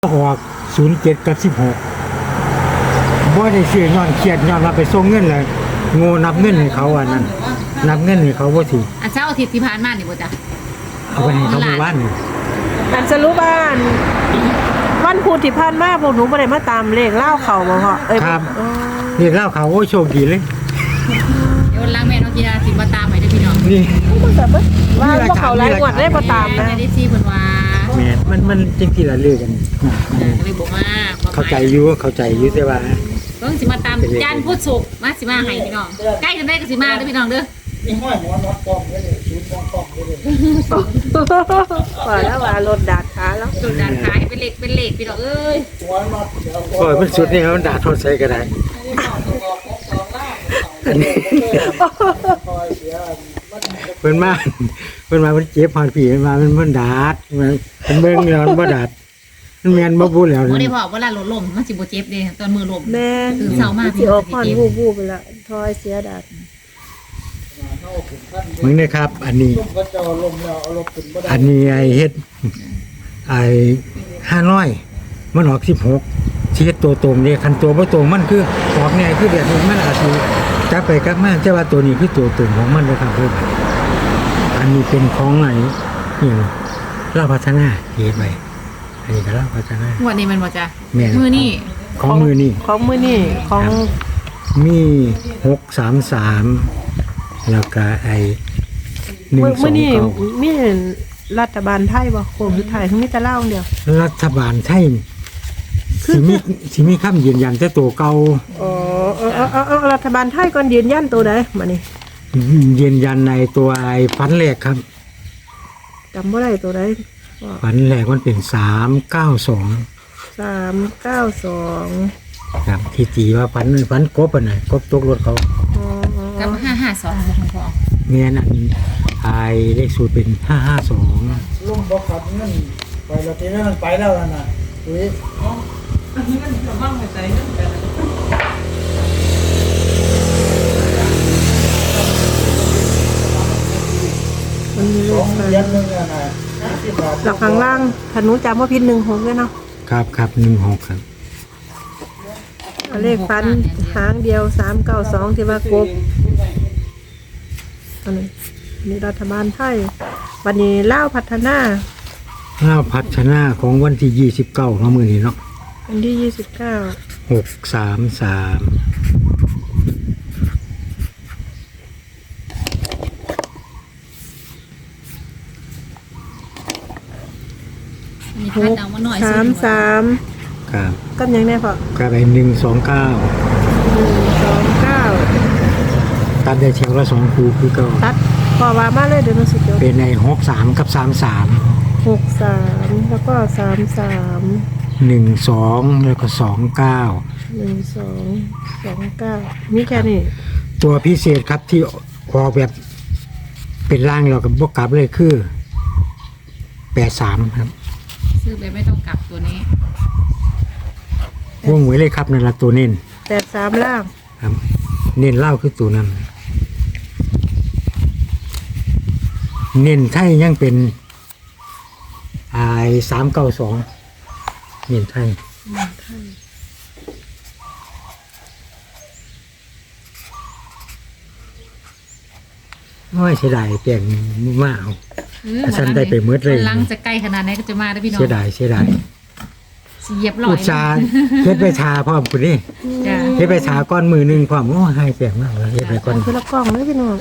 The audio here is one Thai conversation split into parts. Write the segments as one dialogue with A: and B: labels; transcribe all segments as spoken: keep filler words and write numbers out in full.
A: ออกศูนย์เจ็ดกับสิบหกบ่ได้เสียย้อนเครียดย้อนมาไปส่งเงินเลยโง่นับเงินให้เขาอันนั้นนับเงินให้เขาบ่ถือ
B: อ่ะเช้าอาทิตย์ที่ผ่านมานี่บ่จ้ะ
A: เอาไปให้เขาเมื่อวานนี่
C: อันสรุปว่าอันวันพุธที่ผ่านมาพวกหนูบ่ได้มาตามเลขเล่าเขาบ่พ่อเอ้ย
A: ครับ
C: อ๋อ
A: เรียกเล่าเขาโอ้โชคดีเลย
B: เดี๋ยวล้างแม่น้องกีฬาสิมาตามให้เด้อพี่น้อง
A: นี่
C: มันก็บ่ว่าบ่เขาหลายงวดได้บ่ตามนะ
B: ไม่ได้ซีเพิ่นว่า
A: แม่นมันมันจังซี่ล่ะเลือกกัน
B: เออก็เลยบอกว่า
A: เข้าใจอยู่เข้าใจอยู่แต่ว่า
B: เพิ่งสิมาตามจันทร์พุธศุกร์มาสิมาให้พี่น้องใกล้กันได้ก็สิมาเด้อพี่น้องเด้อ
D: นี่ห้อยหมอนวัดป้อมเลยศูนย์ป้อมป้อมเลย
C: ว่าแล้วว่ารถดาดขาแล้ว
B: โดนด่านขายเป็นเหล็กเป็นเหล็กพี่น้องเอ้ย
D: หัวน็อตเดี๋ยว
A: โอ้ยมันสุดนี่เขาด่าโทษใส่ก็ได้อันนี้
D: คอยเสียมัน
A: เพิ่นมาเพิ่นมาเพิ่นเจ็บพรผีเพิ่นมามันมันดาดมันมันเบิ่งแล้วมันบ่ดาดมันแม่นบ่พูดแล้ว
B: บ่ได้
A: นี่
B: พอเวลารถล้มมันสิบ่เจ็บเด้ตอนมือล้ม
C: แม่
B: ตื่นเช้ามา
C: สิออกก่อนวูบๆไปละทอยเสียดาด
D: เข้าถึงขั้น
A: มึงนะครับ อันนี้
D: ต้มกระเจ้าลมแล้วเอาลมขึ้นบ่ได้
A: อันนี้ไอ้เฮ็ดไอ้ห้าร้อยมันออกสิบหกสิเฮ็ดตัวตรงนี่คันตัวบ่ตรงมันคือออกเนี่ยคือแบบนี้มันอาจสิกลับไปกลับมาแต่ว่าตัวนี้คือตัวตรงของมันนะครับเพิ่นอันนี้เป็นของไหนนี่เราพัฒนาเฮ็ดไว้อันนี้ก็เราพัฒนาง
B: วดนี้มันบ่จ้ะ
A: แม่น
B: มือนี่
A: ของมือนี่
C: ของมื้อนี้ของ
A: มีหกสามสามแล้วก็ไอ้หนึ่ง
C: มื้อ
A: สอ
C: มื้อง นี้
A: เก้า
C: มีรัฐบาลไทยบ่โคมสุดท้ายคือมีแต่เล่าอย่างเดียว
A: รัฐบาลไทยสิมีสิมีคำยืนยันแต่ตัวเก่า
C: อ๋อเออเออเออเออรัฐบาลไทยก่อนยืนยันตัวใดมานี่
A: ยืนยันในตัวไอ้ฟันแรกครับ
C: จำบ่ได้ตัวใดว่า
A: ฟันแรกมันเป็นสามเก้าสอง
C: สามเก้าสอง
A: ครับที่ตีว่าฟันฟันกบอ่ะนะกบตกรถเขา
C: อ๋อ
B: กับห้าห้าสองของพ่อ
A: เมียนั่นไอ้เลขสูตรเป็นห้าห้าสอง
D: ลมบ่ขับเงินไปแล้วทีนั้นมันไปแล้วนั่นน่ะอุ้ย
C: มันมี
D: ส
C: เล
D: อง
C: ข
D: เหรียญนึงน่ะนะสิบบาท
C: หลักข้างล่างถ้าหนูจำว่าพิษหนึ่งหกด้วยเนาะ
A: ครับครับหนึ่งหกครับ
C: เอาเลขฟันหางเดียวสามเก้าสองที่ว่ากบอันนี้มีรัฐบาลไทยวันนี้เล่าวพัฒนา
A: ข้าวพัฒนาของวันที่ยี่สิบเก้าของมือนี้เนาะ
C: วันที่ยี่สิบเก้า
A: หกสามสาม
B: มีคัดเอามาหน่อย
C: สามสาม
A: ครับ
C: ก็ยังได้พอ
A: ครับไอ้หนึ่งสองเก้า
C: หนึ่งสองเก้า
A: ตัดได้แถวละสองคูคือเก็
C: ตัดพอว่ามาเลยเดี๋ยวหนูสิจด
A: เป็นในหกสามกับสามสาม
C: หกสามแล้วก็สามสาม
A: หนึ่งสองแล้วก็สองเก้า
C: หนึ่งสองสองเก้ามีแค่นี้
A: ตัวพิเศษครับที่ออกแบบเป็นร่างเรากับบวกกลับเลยคือแปดสามครับ
B: ซื้อไปไม่ต้องกลับตัวนี้
A: วงไว้เลยครับนั่นละตัวเน้น
C: แปดสามล่าง
A: ครับ เน้นเล่าคือตัวนั้น เน้นไทยยังเป็นไอ้สามเก้าสองเน้นไทยโอ้ยเสียดายเปลี่ยนมากเอา อาจารย์ได้ไปหมดเลย
B: ลังจะใกล้ขนาดไหนก็จะมาได้อพี่น้อง
A: เสียดายเสียดาย
B: สิเหยียบลอ
A: อุ
B: ย
A: ตสาห์เฮ็ดไปชาพร้อมคุณนี่
B: จ้ะ
A: เฮ็ดไปชาก้อนมือหนึ่งพร้อมโอ้ให้เปลี่ยนมากเลยเฮ็ดไปก้อน
C: เอาคือละกล้องเลยพี่น้อง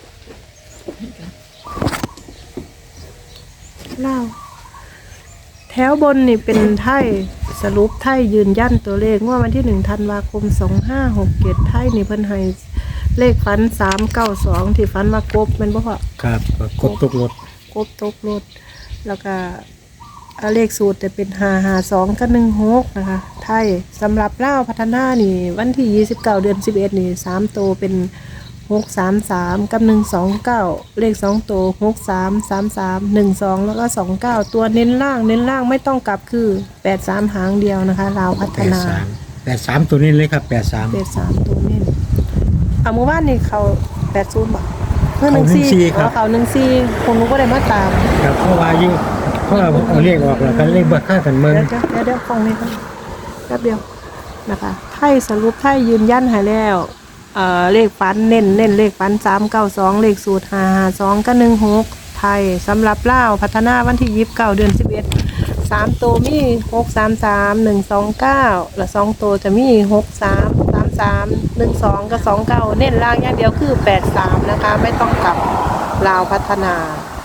C: เล่าแถวบนนี่เป็นไทยสรุปไทยยืนยันตัวเลขว่าวันที่หนึ่งธันวาคมสองห้าหกเจ็ดไทยนี่เพิ่นให้เลขฟันสามเก้าสองที่ฟันมากบแมันบ่พอ
A: ครับกดตกรถ
C: กบตกรถแล้วก็เอาเลขสูตรจะเป็นห้าห้าสองกับหนึ่งหกนะคะ ไทยสำหรับเล่าวพัฒนานี่ วันที่ยี่สิบเก้าเดือนสิบเอ็ดนี่สามโตวเป็นหกสามสามกับหนึ่งสองเก้าเลขสองโตวหกสามสามสามหนึ่งสองแล้วก็สองเก้าตัวเน้นล่างเน้นล่างไม่ต้องกลับคือแปดสามหางเดียวนะคะลาวพัฒ
A: แปด
C: นา
A: สามแปดสามตัวนี้เลยครับแปดสาม
C: แปดสามตัวเน้นเอาเมื่อวานนี่เขาแปดศูนย์บาทเพื่อห
A: เขา
C: นึ่ง
A: หนึ่ง
C: ซี
A: สี่ครับ
C: เขาหนึ่งซีคนรู้ก็ได้มาตาม
A: ครับเพราะว่าอยู่เพราะเอาเอาเลขออกแล้วกันเลขบ่ค่ากันเมือง
C: เดี๋ยวเดี๋ยวเดี๋ยวฟังนี่ครับแป๊บเดียวนะคะไทยสรุปไทยยืนยันให้แล้วเอ่อเลขฟันเน้นเน้นเลขฟันสามเก้าสองเลขสูตรห้าห้าสองก็หนึ่งหกไทยสำหรับเล่าวพัฒนาวันที่ยี่สิบเก้าเดือนสิบเอ็ดสามตัวมีหกสามสามหนึ่งสองเก้าและสองตัวจะมีหกสามสามสามหนึ่งสองกับสองเก้าเน้นล่างอย่างเดียวคือแปดสามนะคะไม่ต้องกลับลาวพัฒนา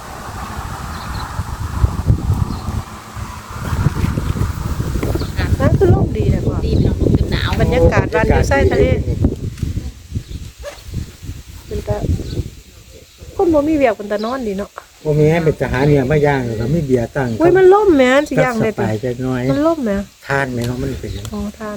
C: นั่นคือร่มดีนะพ่อ
B: ดีพี่น้องลมจนหนาว
C: บรรยากาศวันอยู่ใต้ทะเลเป็นตาคนบ่มีเวียกเป็นตานอนดีเนาะ
A: บ่มีให้เป็นทหารเนี่ยมาย่างแล้วก็มีเบียร์ตั้ง
C: อุ้ยมันล่มแหม่สิย่าง
A: ส
C: ได้ติ
A: บายจักหน่อย
C: มันล่มแหม่
A: ทานไหมเนาะมันเป็นจัง
C: อ๋อทาน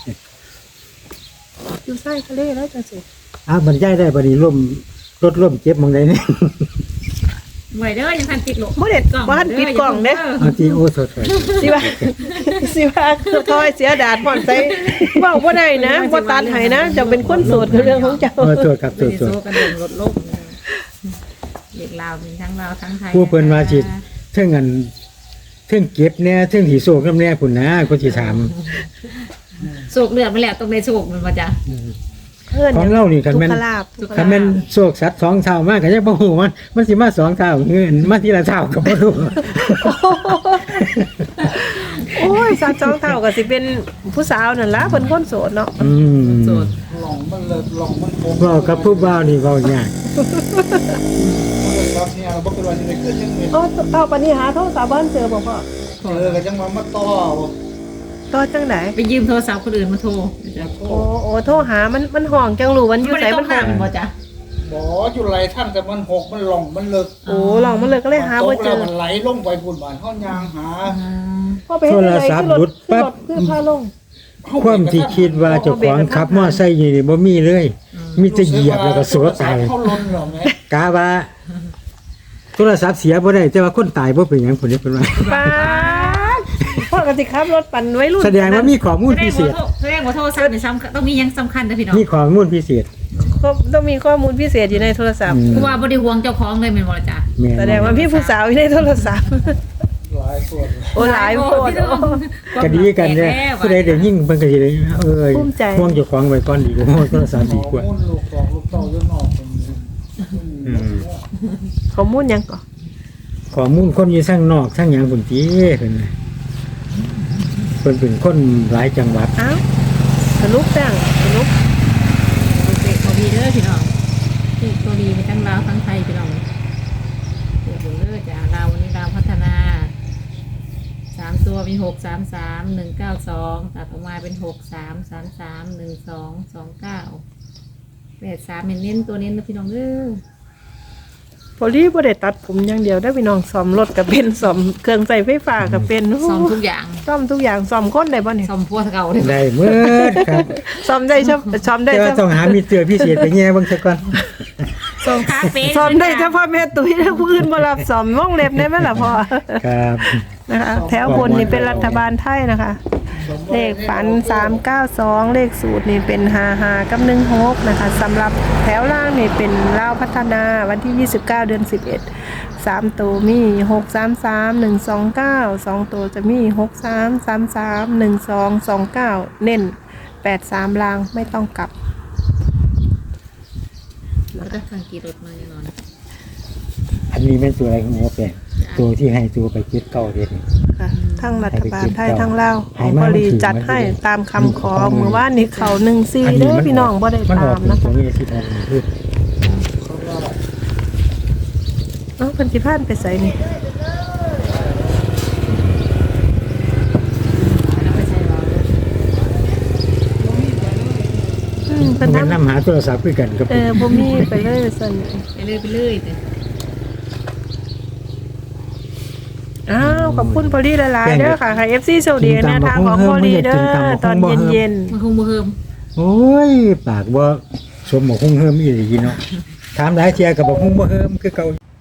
C: อยู่ใต้ทะเลแล้วจังสิ
A: อ้าวบรรยายได้บัดนี้ร่มรถร่มเจ็บหมองใดนี่
B: ไหวเด้อยังทันติดหลบ
C: บ่ได้บ้านปิดกล่องเด้
A: เอาที่โอ้สดๆ
C: สิว่าสิว่าคือทอยเสียดาดหมอนใส่เว้าบ่ได้นะบ่ตันให้นะเจ้าเป็นคนโสดคือเรื่องของเจ้า
A: เออโทษครับโท
B: ไม่
A: ษ
B: ได้
A: โทษ
B: โซกันลงรถลบเด็กลาวมีทั้งลาวทั้งไทย
A: ผู้เพิ่นว่าสิเทิงอันเทิงเก็บแน่เทิงสิโศกนำแน่พุ่นนะก็สิถาม
B: โศกเลือดมาแล้วต้องได้โศกมันมาจ้ะ
C: เพิ่น
A: ของเรานี่คันแม่น
C: ทุกขลาภทุกข
A: คัน
C: ลา
A: แม่น
C: ภ
A: โศกสัตว์สองเท่ามากก็ยังบ่ฮู้มันมันสิมาสองเท่าเงินมาทีละเท่าก็บ่รู้
C: โอ้ยสาวจองเท่าก็สิเป็นผู้สาวนั่นล่ะเพิ่นคนโสดเนาะ
A: อืม
B: โสด
D: หลงมันเลยหลงมันโกง
A: เว้ากับผู้บ่าวนี่เว้ายาก
D: มันเลยครับเนี่ยเราบอกกันว่าจะได้ขึ้นยังไง
C: เอ้าเต้าปานนี้หาโทรศัพท์บ้านเจอบ่พ่อ
D: เจอกันจังมามาต่อ
C: ต่อจังได๋
B: ไปยืมโทรศัพท์คนอื่นมาโทรจ้ะ
C: โอ้โอ้โทรหามันมันห้องจังรู้วันอยู่
B: ไม่
C: ไส
B: ได้ต้
C: มั
B: อง
C: นห้อง
B: ทำบ่จ้ะ
D: บ่อยู่ไรท่านแต่มันหกมันหลงมันเลิก
C: โอ้ลองมันเลยก็เลยหาบ่เจอ
D: มันไหลลงไปพุ่นบานห้องยางหา
C: พ่อไปเฮ็ดอะไรขึ้นรถขึ้นรถขึ้นพาลง
A: ความที่คิดว่าเจ้าของขับมอไซค์อยู่นี่บ่มีเลย มีแต่เหยียบแล้วก็สวดตาย
D: เขาล้นหรอแม่
A: กาว่าโทรศัพท์เสียบ่ได้แต่ว่าคนตายบ่เป็นหยังพุ่นนี่เพิ่นว่า
C: ป้าดพ่อก็สิขับรถปั่นไว้รุ่น
A: แสดงว่ามีข้อมูล
B: แสด
A: พิ
B: ง
A: เศ
B: ว่า
A: ษ
B: โทรแสดงว่าโทรศัพท์นี่สำคัญต้องมียังสำคัญนะพี่น้อง
A: มีข้อมูลพิเศษ
C: ก็ต้องมีข้อมูลพิเศษอยู่ในโทรศัพท์
A: อืม
B: เพราะว่าบ่ได้ห่วงเจ้าของเลยแม่นบ่ล่ะจ้ะ
A: แม่น
C: แสดงว่าพี่ผู้สาวอยู่ในโทรศัพท์
D: หลายส่วน
C: โอ้หลายโพด
A: ก็ดีกันเด้อผู้ใดได้ยิ่งเพิ่นก็สิได้เอ้ย
C: ภูมิใจ
A: ห่วงเจ้าของไว้ก่อนดีกว่าโทรศัพท์ดีกว่า
D: มุ่นลูกสองลูกเต้ายุ่นออกเป็น
A: อืม
C: ข้อมูลหยังก่อ
A: ข้อมูลคนอยู่ข้างนอกทั้งหยังพุ่นติเพิ่นน่ะเพิ่นเป็นคนหลายจังหวัด
C: อ้าวสรุปแป้งสรุป
B: โอเคบ่มีเด้อพี่น้องที่ตัวดีมีทั้งลาวทั้งไทยพี่น้องเดี๋ยวเบิ่งเด้อจ้ะลาววันนี้ลาวพัฒนาสามตัวมีหกสามสามหนึ่งเก้าสองตัดออกมาเป็นหกสามสามสามหนึ่งสองสองเก้าแปดสามเน้นๆตัวเน้นนะพี่น้องเด้อ
C: พอลี่บ่ได้ตัดผมอย่างเดียวได้พี่น้องซ่อมรถก็เป็นซ่อมเครื่องใช้ไฟฟ้าก็เป็น
B: ซ่อมทุกอย่าง
C: ซ่อมทุกอย่างซ่อมคนได้บ่เนี่ย
B: ซ่อมพวกเก่าเลย
A: ได้เมิดครับ
C: ซ่อมได้เฉพาะซ่อมได้
A: แต่ว่า
C: เฉ
A: ต้อง
C: พาะ
A: หามีเตือพิเศษไปแง่เบิ่งซะก่อน
B: ซ่อมคาเฟ่
C: ซ่อมได้เฉพาะแม่ตุ้ยนะผู้อื่นบ่รับซ่อมวงเล็บได้ไหมล่ะพ่อ
A: ครับ
C: นะคะแถวบนนี่เป็นรัฐบาลไทยนะคะ เลขฝันสามเก้าสองเลขสูตรนี่เป็นห้าห้ากับหนึ่งหกนะคะสำหรับแถวล่างนี่เป็นลาวพัฒนาวันที่ยี่สิบเก้าเดือนสิบเอ็ดสามตัวมีหกสามสามหนึ่งสองเก้าสองตัวจะมีหกสามสามสามหนึ่งสองสองเก้าเน้นแปดสามลางไม่ต้องกลับ
B: แล้วก็ทางกี่รถมาแน่นอน
A: อันนี้เป็นตัวอะไรของหมอแปลงตัวที่ให้ตัวไปคิดเก้าเด็ดนี่
C: ค่ะทั้งรัฐบาลไทยทั้งลาว
A: ให้
C: ให้
A: มา
C: บริ
A: มันถึง
C: จัด
A: มัน
C: ให้
A: ถึง
C: ตามคำขอเมื่อวานนี้เขาหนึ่งซีเด้อพี่น้องบ่ได้
A: มันอ
C: ตา
A: อก
C: ม
A: เป็น
C: นะ
A: ตัว
C: คะ
A: นี้ที่ทำคือ
C: เอ้าเพิ่นสิพานไปไสนี่
B: แล้วไปใช้เรา
C: อืมเพิ่
A: มัน น
C: ทำ
A: นำหาโทรศัพท์คือกันกับ
C: เออบ่มีไปเลยซั่น
B: ไปเรื่อยไปเรื่อยแต่
C: อ้าวขอบคุณพอลี่หลายๆเด้อค่ะค่ะ เอฟ ซี โชคดีแนวทางของพอลี่เด้อตอนเย็น
B: มันคงบ่เฮิม
A: โอ้ยปากบ่สมหมกคงเฮิมอีหลีเนาะถามหลายเที่ยก็บ่คงบ่เฮิมคือเก่า